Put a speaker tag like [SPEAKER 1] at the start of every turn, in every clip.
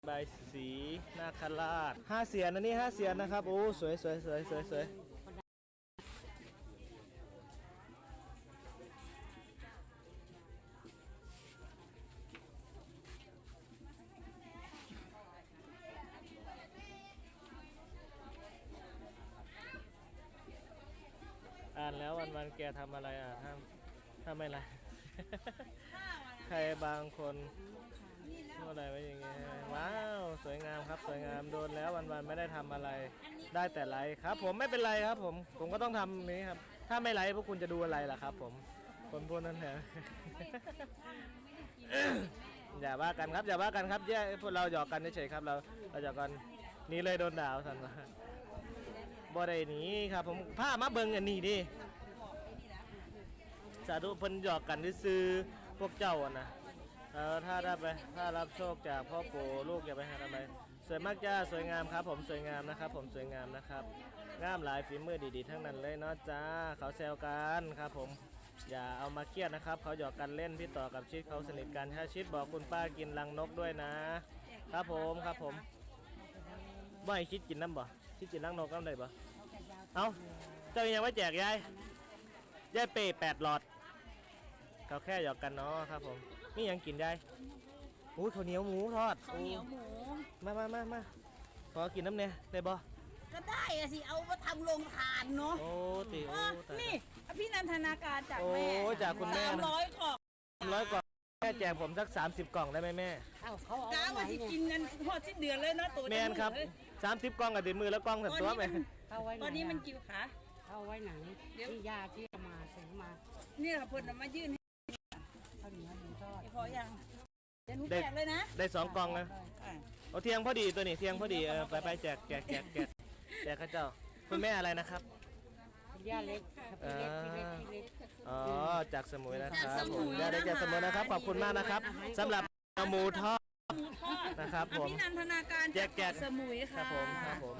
[SPEAKER 1] ใบสีนาคราช5 เสียนนะนี่5 เสียนนะครับโอ้สวยสวยสวยสวยสวยอ่านแล้ววันแกทำอะไรอ่ะทำอะไร ใครบางคนพูดอะไรไว้อย่างเงี้ยว้าวสวยงามครับสวยงามโดนแล้ววันไม่ได้ทำอะไรได้แต่ไลค์ครับผมไม่เป็นไรครับผมก็ต้องทำนี้ครับถ้าไม่ไลค์พวกคุณจะดูอะไรล่ะครับผมคนพวกนั้นแหละ อย่าว่ากันครับอย่าว่ากันครับแย่พวกเราหยอกกันเฉยๆครับเราหยอกกันนี่เลยโดนด่าสันว่าบ่ได้หนีครับผมผ้ามาเบิ่งอันนี้ดิสาธุเพิ่นหยอกกันซื้อพวกเจ้านะถ้ารับโชคจากพ่อปู่ลูกอย่าไปหาทำไมสวยมากจ้าสวยงามครับผมสวยงามนะครับผมสวยงามนะครับงามหลายฝีมือดีๆทั้งนั้นเลยเนาะจ้าเขาแซวกันครับผมอย่าเอามาเครียดนะครับเขาหยอกกันเล่นพี่ต่อกับชิดเขาสนิทกันถ้าชิดบอกคุณป้ากินรังนกด้วยนะครับผมบ่ให้คิดกินน้ำบ่คิดกินรังนกน้ำได้บ่เอาเจ้ายังไม่แจกยายเป้8 หลอดเขาแค่หยอกกันเนาะครับผมนี่ยังกินได้อุ้ยข้าวเหนียวหมูทอด
[SPEAKER 2] ข้าวเหนียวหมู
[SPEAKER 1] มาขอกินน้ำเนี่ยได้บ่
[SPEAKER 2] ก็ได้อะสิเอามาทำโรงทานเนาะ
[SPEAKER 1] โอ้ติ
[SPEAKER 2] นี่พี่นันทนาการจากแม่
[SPEAKER 1] จากคุณแม่
[SPEAKER 2] 300 กล่อง
[SPEAKER 1] 300 กล่องแม่แจกผมสัก30 กล่องได้ไหมแม่
[SPEAKER 2] กาว่าสิกินกันพอสิ้นเดือนเลยนะตัว
[SPEAKER 1] แม่ครับ30 กล่องกับติดมือแล้วกล่องสับตัวไหม
[SPEAKER 2] ตอนนี้มันกี่ขา
[SPEAKER 3] เอาไว้ไหนที่ยาที่มาซื้อมา
[SPEAKER 2] นี่ค่ะเพิ่นมายื่น
[SPEAKER 3] ข้าวเหนียวหมูทอด
[SPEAKER 2] พอยังเดี๋ยวหนูแจกเลยนะ
[SPEAKER 1] ได้2 กล่องนะเอาเที่ยงพอดีตัวนี้เที่ยงพอดีไปแจกข้าเจ้าคุณแม่อะไรนะครับ
[SPEAKER 3] ย่าเล็กพี่เล็ก
[SPEAKER 1] อ๋อจากสมุยนะครับผมย่าเล็กจากสมุยนะครับขอบคุณมากนะครับสำหรับหมูทอดนะครับผม
[SPEAKER 2] พี่นันทนาการ
[SPEAKER 1] แจก
[SPEAKER 2] สมุยค่ะ
[SPEAKER 1] ครับผม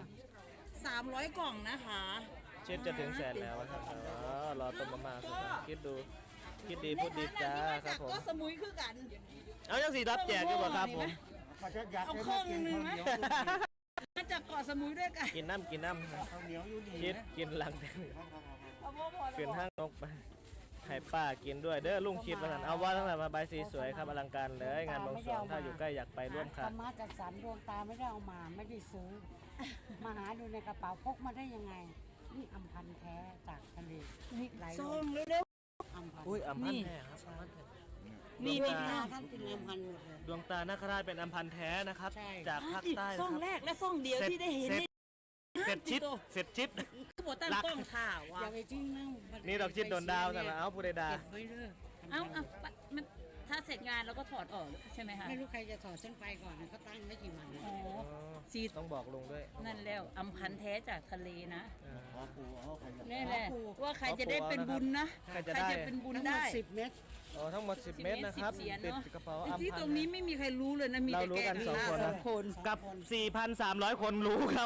[SPEAKER 2] 300 กล่องนะคะ
[SPEAKER 1] เช็ดจะถึงแสนแล้วครับรอต้มมาคิดดีพูดดีจ้าครับผม
[SPEAKER 2] ก็สมุยคือกัน
[SPEAKER 1] เอายังสีรับแจกกันบ่ครับผม
[SPEAKER 2] เอาเครื่องนึงไหมมาจากเกาะสมุยด้วยกัน
[SPEAKER 1] กินน้ำคิดกินหลังเปลี่ยนห้างนกไปให้ป้ากินด้วยเด้อลุงคิดมาเอาว่าตั้งแต่มาใบสีสวยครับอลังการเลยงานบวงสรวงถ้าอยู่ใกล้อยากไปร่วมค่ะ
[SPEAKER 3] มาจากสารดวงตาไม่ได้เอามาไม่ได้ซื้อมาหาดูในกระเป๋าพกมาได้ยังไงนี่อัมพันแท้จากทะเล
[SPEAKER 2] นี่ซองเร็ว
[SPEAKER 3] ๆอัมพัน
[SPEAKER 1] อัมพันแท้ครับ
[SPEAKER 3] นี่ท่านเป็นอัมพันหมดเลย
[SPEAKER 1] ดวงตานาคราชเป็นอัมพันแท้นะครับจากภาคใต้
[SPEAKER 2] ซองแรกและซองเดียวที่ได้เห็น
[SPEAKER 1] เสร็จชิด
[SPEAKER 2] คือบอกตั้งกล้องข่าว
[SPEAKER 3] อย่าไปจิ้ง
[SPEAKER 1] นี่ดอกชิดโดนดาวแต่ละเอาผู้ใดดา
[SPEAKER 2] เอามันถ้าเสร็จงานเราก็ถอดออกใช่ไหมคะ
[SPEAKER 3] ไม่รู้ใครจะถอดเส้นไฟก่อนเขาตั้งไม่กี่วัน
[SPEAKER 2] ซี
[SPEAKER 1] ต้องบอกลุงด้วย
[SPEAKER 2] นั่นแล้วอัมพันแท้จากทะเลนะนี่แหละว่าใครจะได้เป็นบุญนะใครจะเป็นบุญได้
[SPEAKER 3] 10 เมตร
[SPEAKER 1] ทั้งหมด10 เมตรนะครับติดกระเป๋าอัมพัน
[SPEAKER 2] ที่ตรงนี้ไม่มีใครรู้เลยนะมีแต่แกกัน
[SPEAKER 1] 2 คนกับ 4,300 คนรู้ครับ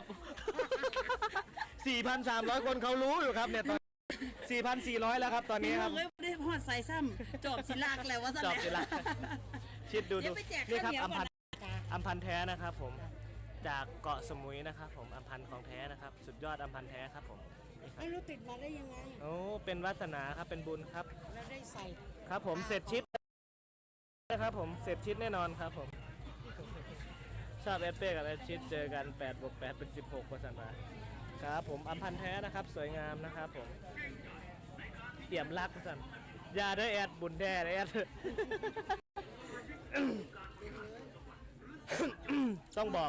[SPEAKER 1] 4,300 คนเขารู้อยู่ครับเนี่ยตอน 4,400 แล้วครับตอนนี้ครับ
[SPEAKER 2] ได้พอดใส่ซ้ำจอบศิลากแล้วว่า
[SPEAKER 1] จอบศิลาชิดดูนี่ครับอัมพันแท้นะครับผมจากเกาะสมุยนะครับผมอัมพันของแท้นะครับสุดยอดอัมพันแท้ครับผม
[SPEAKER 3] ไม่รู้ติดมาได้ยังไง
[SPEAKER 1] โอ้เป็นวาสนาครับเป็นบุญครับ
[SPEAKER 3] แล้วได้ใส่
[SPEAKER 1] ครับผมเสร็จชิดนะครับผมเสร็จชิดแน่นอนครับผมชอบเอสเป้กับเอสชิดเจอกัน8+8เป็น16กว่าสันมาครับผมอัมพันแท้นะครับสวยงามนะครับผมเตี่ยมรักสันยาด้วยแอดบุญแท้แอดต้องบอก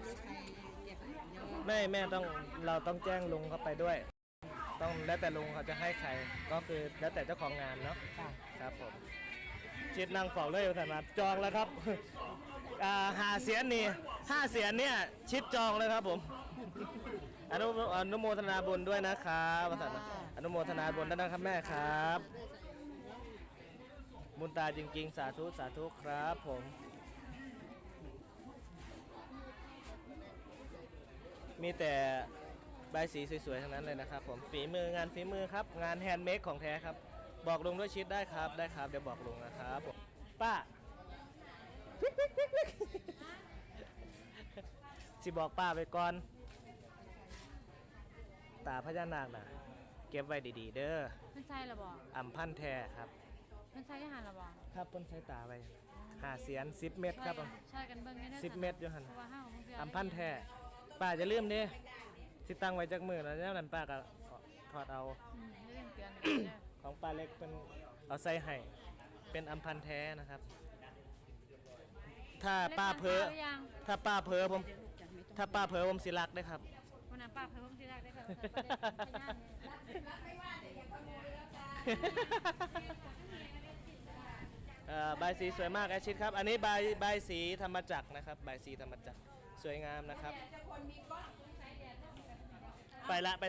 [SPEAKER 1] แม่ต้องเราต้องแจ้งลุงเข้าไปด้วยต้องแล้วแต่ลุงเขาจะให้ใครก็คือแล้วแต่เจ้าของงานเนาะครับผมชิดนั่งฝอกเลยสันมาจองแล้วครับ5 เสียนนี่5 เสียนเนี่ยชิดจองเลยครับผมอนุโมทนาบุญด้วยนะครับอนุโมทนาบุญด้วยนะครับแม่ครับบุญตาจริงๆสาธุครับผมมีแต่ใบสีสวยๆทั้งนั้นเลยนะครับผมงานฝีมือครับงานแฮนด์เมดของแท้ครับบอกลุงด้วยชิดได้ครับเดี๋ยวบอกลุงนะครับป้าสิบอกป้าไปก่อนตาพญานาคน่ะเก็บไว้ดีๆเด้อ
[SPEAKER 4] เพิ่นใส่ละบ่
[SPEAKER 1] อำพันธ์แท้ครับ
[SPEAKER 4] เพิ่นใส่อาหารละบ่
[SPEAKER 1] ครับเพิ่นใส่ตาไว้5 เสียน10 เม็ดครับผม
[SPEAKER 4] ใช่กันเบิ่งได้
[SPEAKER 1] 10 เม็ดอยู่หั่น
[SPEAKER 4] เพราะว่าเฮาบ่เชื่
[SPEAKER 1] อำพันธ์แท้ป้าจะลืมเด้สิตั้งไว้จักมื้อแล้วแล้วนั้นป้าก็ถอดเอา
[SPEAKER 4] เรื่องเตือนกันเด้อ
[SPEAKER 1] ของป้าเล็กเป็นเอาใส่ให้เป็นอำพันธ์แท้นะครับ ถ้าป้าเพ้อ
[SPEAKER 4] หรือยัง
[SPEAKER 1] ถ้าป้าเพ้อผมถ้าป้าเพ้อผมสิรักเด้อครับ
[SPEAKER 4] วันนั้นป้าเพิ่มที่แรกได้ก็พยานเนี่ย
[SPEAKER 1] ใบายสีสวยมากแอชชิดครับ อันนี้ใบายสีธรรมจักรนะครับใบายสีธรรมจักรสวยงามนะครับ ไปละไป